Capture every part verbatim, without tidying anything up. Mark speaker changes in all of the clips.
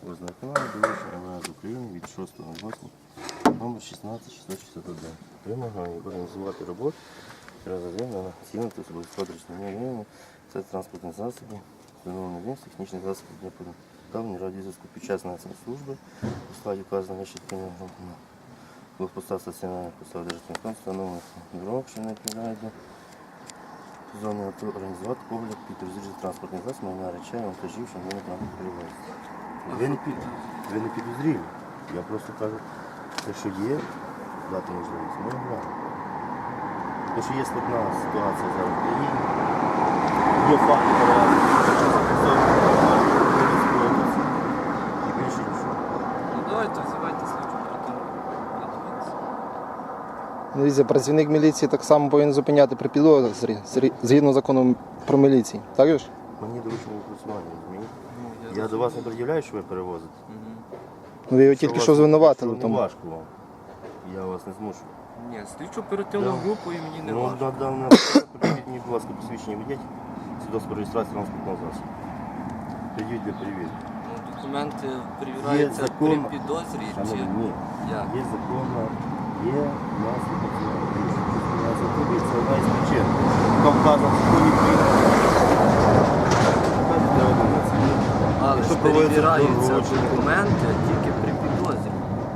Speaker 1: Ознакомлення доручення ем ве ес України від шостого восьмого номер шістнадцять шістсот шістдесят один. Вимагає організувати роботу розгляду на цінити особисто рівня це транспортних засобів, встановлення вимог технічних засобів для подавлення радіозв'язку під час несення служби у складі вказаного вище керівного групи блокпоста стаціонарних посад державних контроль, встановлених дорог, що не відповідають до зони АТО, організувати погляд під розрізі транспортних засобів, майна речей, вантажів, що не там перевозять. Ви не, під, ви не підозрілі. Я просто кажу, те, що є, дати можливість. Ми не знаємо. Те, що є складна ситуація зараз в країні, є факти перевезення, і більше нічого.
Speaker 2: Ну давайте взивайте слідчу оперативну.
Speaker 3: Дивіться, працівник міліції так само повинен зупиняти при підозрі, згідно закону про міліцію. Так же ж?
Speaker 1: Мені доручено відпрацювання, розумієте? Я до вас не пред'являю, що ви перевозите.
Speaker 3: Ну, ви його тільки що звинуватили в
Speaker 1: Не
Speaker 3: тому.
Speaker 1: важко вам. Я вас не змушу.
Speaker 2: Ні, слідчу оперативну
Speaker 1: Да.
Speaker 2: групу і мені не
Speaker 1: Ну,
Speaker 2: важко.
Speaker 1: на даному придіть мені, будь ласка, посвідчення водіть, свідоцтво про реєстрацію транспортного засобу. Придіть для перевірки.
Speaker 2: Ну, документи перевіряються
Speaker 1: Є
Speaker 2: при
Speaker 1: закон.
Speaker 2: підозрі чи
Speaker 1: Шановні, ні.
Speaker 2: як?
Speaker 1: Є законна, є у нас відповідальність. Це одна із причин. Там вказано в законі України.
Speaker 2: Але ж
Speaker 1: Якщо проводиться
Speaker 2: перевіряються
Speaker 1: доручення.
Speaker 2: документи тільки при підозрі.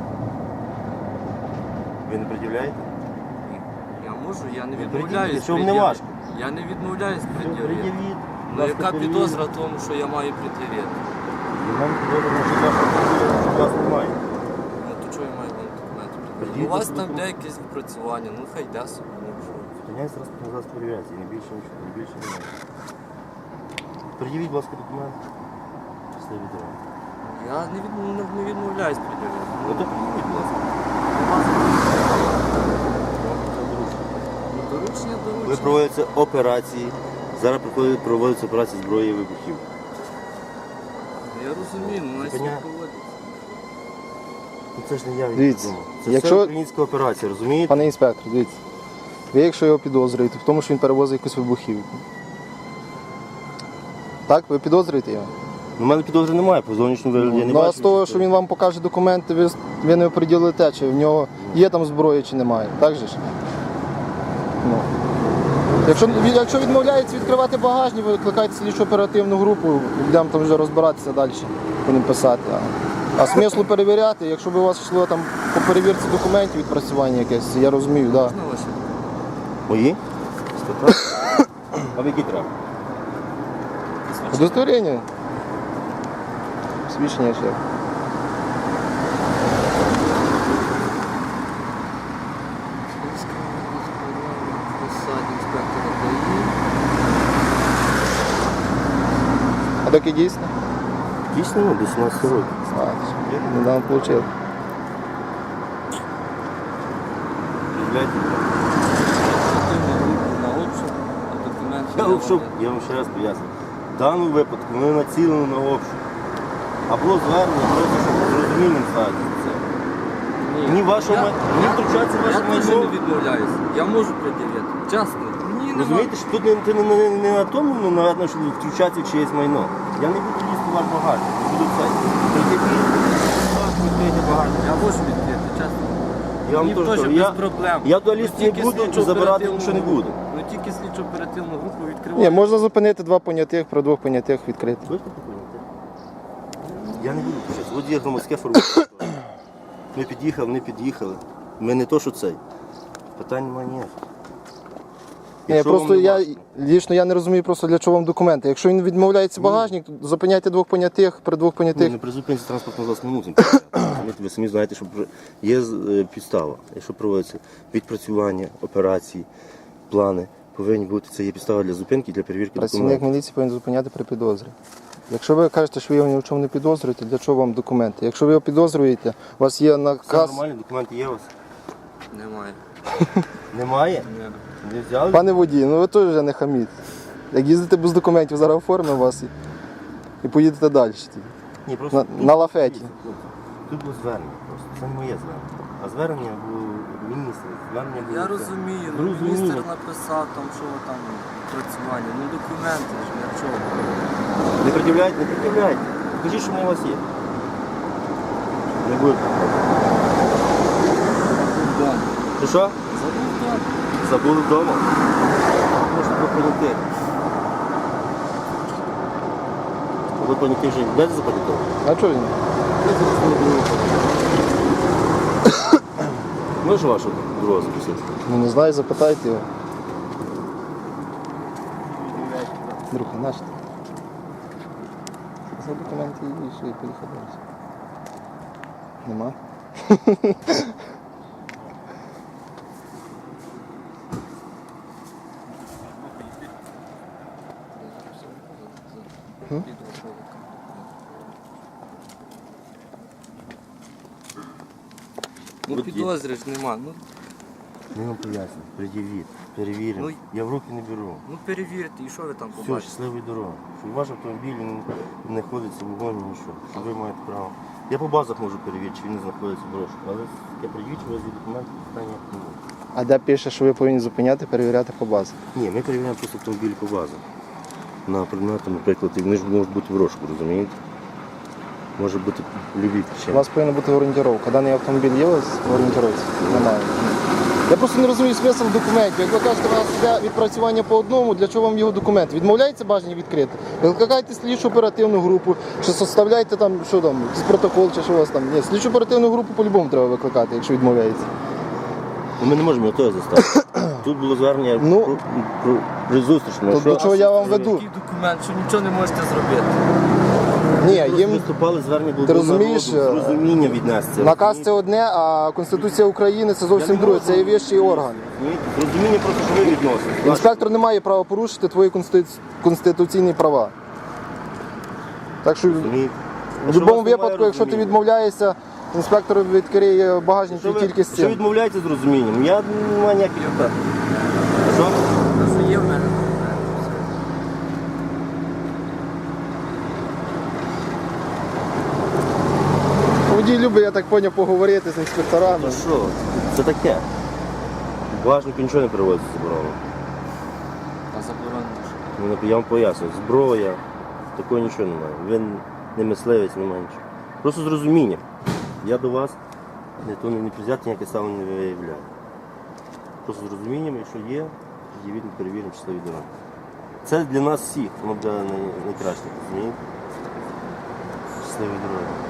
Speaker 1: Ви не пред'являєте?
Speaker 2: Ні. Я можу, я не
Speaker 1: Ви
Speaker 2: відмовляюсь.
Speaker 1: пред'явіть, якщо вам не
Speaker 2: пред'явити.
Speaker 1: важко.
Speaker 2: Я не відмовляюсь пред'явити.
Speaker 1: Пред'явіть.
Speaker 2: Ну
Speaker 1: Будь ласка,
Speaker 2: яка
Speaker 1: перевірте.
Speaker 2: підозра в тому, що я маю пред'явити?
Speaker 1: І нам підозрюємо, що вашого що вас немає.
Speaker 2: Ну то чого я маю вам документи пред'явити?
Speaker 1: Пред'явіть
Speaker 2: У вас там
Speaker 1: документи.
Speaker 2: де якесь відпрацювання, ну хай йде собі. Ну, що?
Speaker 1: Зупиняється транспортний засіб перевіряється, і не більше нічого, не більше немає. Пред'явіть, будь ласка, документи. Щасливі дороги.
Speaker 2: Я не, від, не, не відмовляюсь пред'явити.
Speaker 1: Ну то пред'явіть, будь ласка.
Speaker 2: Ну, доручення,
Speaker 1: Ви
Speaker 2: доручення.
Speaker 1: проводяться операції. Зараз проходять- проводяться операції зброї і вибухів.
Speaker 2: Я розумію, ну нас
Speaker 1: Зупиняє.
Speaker 2: не проводиться.
Speaker 1: Ну це ж не я
Speaker 3: Дивіться,
Speaker 1: відомо. Це
Speaker 3: якщо-
Speaker 1: все українська операція, розумієте?
Speaker 3: Пане інспектор, дивіться. Ви якщо його підозрюєте в тому, що він перевозить якусь вибухівку. Так, ви підозрюєте його?
Speaker 1: У мене підозри немає, по зовнішньому вигляді я не
Speaker 3: Ну а
Speaker 1: бачу.
Speaker 3: з того, що він вам покаже документи, ви, ви не оприділите, чи в нього є там зброя, чи немає. Так же ж? Ну. Якщо, якщо відмовляється відкривати багажник, ви викликайте слідчу оперативну групу, будемо там вже розбиратися далі, будемо писати. А, а смислу перевіряти, якщо б у вас йшло там по перевірці документів відпрацювання якесь, я розумію, так. Да.
Speaker 2: Можна ваші?
Speaker 1: Мої? Стаття? А в які треба?
Speaker 3: Удостоверення. Свідчення ще.
Speaker 2: Посаді інспектора ДАІ.
Speaker 3: А доки дійсно?
Speaker 1: Дійсно, ну, до сімнадцяти років.
Speaker 3: А, недавно отримав.
Speaker 1: Пред'являйте.
Speaker 2: Оперативна група на обшук, а документи
Speaker 1: Я
Speaker 2: не
Speaker 1: обшук,
Speaker 2: вони.
Speaker 1: я вам ще раз поясню. В даному випадку ми націлені на обшук. А було звернення, просто щоб зрозумінним стати це. Ні вашого
Speaker 2: Я-
Speaker 1: ма- ні
Speaker 2: я-
Speaker 1: втручатися в ваше
Speaker 2: Я теж
Speaker 1: майно.
Speaker 2: не відмовляюсь. Я можу пред'явити. Чесно. Мені нема.
Speaker 1: Розумієте, що тут не, ти не, не, не на тому, ну, наверно, що втручатися в чиєсь майно. Я не буду лізти в ваш багажник, не буду це. Відкрийте багажник.
Speaker 2: Я можу відкрити, чесно.
Speaker 1: Я вам
Speaker 2: Мені
Speaker 1: теж
Speaker 2: теж
Speaker 1: кажу,
Speaker 2: без
Speaker 1: я,
Speaker 2: проблем.
Speaker 1: я туди
Speaker 2: Ну,
Speaker 1: лізти не
Speaker 2: тільки
Speaker 1: буду,
Speaker 2: слідчу
Speaker 1: забирати
Speaker 2: оперативну
Speaker 1: нічого не
Speaker 2: групу.
Speaker 1: буду.
Speaker 2: Ну тільки слідчу оперативну групу
Speaker 3: Ні,
Speaker 2: відкриваю.
Speaker 3: можна зупинити два понятих, про двох понятих відкрити.
Speaker 1: Точно поняти? Я не буду почати. От є громадське формування. Ми під'їхали, не під'їхали. Ми не то, що цей. Питань немає ніяких.
Speaker 3: Ні,
Speaker 1: Якщо
Speaker 3: просто
Speaker 1: вам не
Speaker 3: я
Speaker 1: важко.
Speaker 3: лічно я не розумію просто для чого вам документи. Якщо він відмовляється багажник, то зупиняйте двох понятих, при двох
Speaker 1: Ні,
Speaker 3: понятих.
Speaker 1: не при зупинці транспортного засобу не мусимо. Розумієте, ви самі знаєте, що вже є е, підстава. Якщо проводиться відпрацювання, операції, плани, повинні бути, це є підстава для зупинки, для перевірки
Speaker 3: Працівник
Speaker 1: документів.
Speaker 3: міліції повинен зупиняти при підозрі. Якщо ви кажете, що ви його ні в чому не підозрюєте, для чого вам документи? Якщо ви його підозрюєте, у вас є
Speaker 1: Все
Speaker 3: наказ.
Speaker 1: нормально, документи є у вас?
Speaker 2: Немає.
Speaker 1: Немає?
Speaker 2: Ні.
Speaker 1: Не взяли?
Speaker 3: Пане водій, ну ви теж вже не хаміть. Як їздите без документів, зараз оформимо вас і, і поїдете далі.
Speaker 1: Ні, просто
Speaker 3: На,
Speaker 1: тут-
Speaker 3: на лафеті.
Speaker 1: Тут було звернення просто. Це не моє звернення. А звернення було міністра. Звернення було
Speaker 2: Я
Speaker 1: це.
Speaker 2: розумію, ну
Speaker 1: Розумію.
Speaker 2: міністр написав там, що там працювання. Ну документи ж для чого?
Speaker 1: Не пред'являйте, не пред'являйте. Покажіть, що вони у вас є. Не буде.
Speaker 2: Да.
Speaker 1: Ти що?
Speaker 2: Забув так.
Speaker 1: Забули вдома? Можна допомогти. Ви поняття вже без запам'ятали?
Speaker 3: А чого він?
Speaker 1: Можеш вашого друга запросити?
Speaker 3: Ну не знаю, запитайте його. Друг, наш. За документи і йшли, і поїхали. Нема?
Speaker 2: Ну підозри ж нема. Ну,
Speaker 1: Ми вам поясню. Пред'явіть, перевіримо.
Speaker 2: Ну,
Speaker 1: Я в руки не беру.
Speaker 2: ну перевірте, і що ви там
Speaker 1: Все,
Speaker 2: побачите?
Speaker 1: щасливої дороги. Щоб ваш автомобіль не, не знаходиться в вогоні, нічого. Що ви маєте право. Я по базах можу перевірити, чи він не знаходиться в розшуку. Але я пред'явіть, у вас є документи, питання не буде.
Speaker 3: А де пише, що ви повинні зупиняти, перевіряти по базі?
Speaker 1: Ні, ми перевіряємо просто автомобіль по базах. На предмети, наприклад, і вони ж можуть бути в розшуку, розумієте? Може бути любі
Speaker 3: У
Speaker 1: причини.
Speaker 3: вас повинна бути орієнтировка. Даний автомобіль є у вас в орієнтировці? Немає. Я просто не розумію смисл документів. Як ви кажете, у вас йде відпрацювання по одному, для чого вам його документ? Відмовляється бажання відкрити? Викликайте слідчу оперативну групу, чи составляйте там, що там, якийсь протокол, чи що у вас там. Ні, слідчу оперативну групу по-любому треба викликати, якщо відмовляється.
Speaker 1: Ну, ми не можемо того заставити. Тут було звернення
Speaker 3: Ну,
Speaker 1: про, про, при зустрічному.
Speaker 3: то
Speaker 1: Що-
Speaker 3: до чого я вам веду?
Speaker 2: Такий документ, що нічого не можете зробити.
Speaker 3: Ні,
Speaker 1: Просто
Speaker 3: їм
Speaker 1: виступали звернення було
Speaker 3: Ти
Speaker 1: до
Speaker 3: розумієш,
Speaker 1: народу, з розуміння віднести.
Speaker 3: наказ це одне, а Конституція України це зовсім друге. Це є вищий орган.
Speaker 1: З розуміння просто, що ви відносите.
Speaker 3: Інспектор не має права порушити твої конститу- конституційні права. Так що в будь-якому випадку, якщо ти відмовляєшся, інспектор відкриє багажник
Speaker 1: що
Speaker 3: і
Speaker 1: ви,
Speaker 3: тільки з
Speaker 1: що
Speaker 3: цим.
Speaker 1: відмовляєте з розумінням, я не маю ніяких питань. Що?
Speaker 2: Просто є в мене.
Speaker 3: Водій любить, я так поняв, поговорити з інспекторами.
Speaker 1: Ну що, це таке. В багажнику нічого не переводиться заборонено.
Speaker 2: А заборонено. що?
Speaker 1: Ну, я вам поясню, зброя, такого нічого немає. Він не мисливець, немає нічого. Просто з розумінням. Я до вас не то не взяти ніяке ставлення не виявляю. Просто з розумінням, якщо є, тоді ми перевіримо числові дороги. Це для нас всіх, воно буде най- найкраще, розумієте? Щасливі дороги.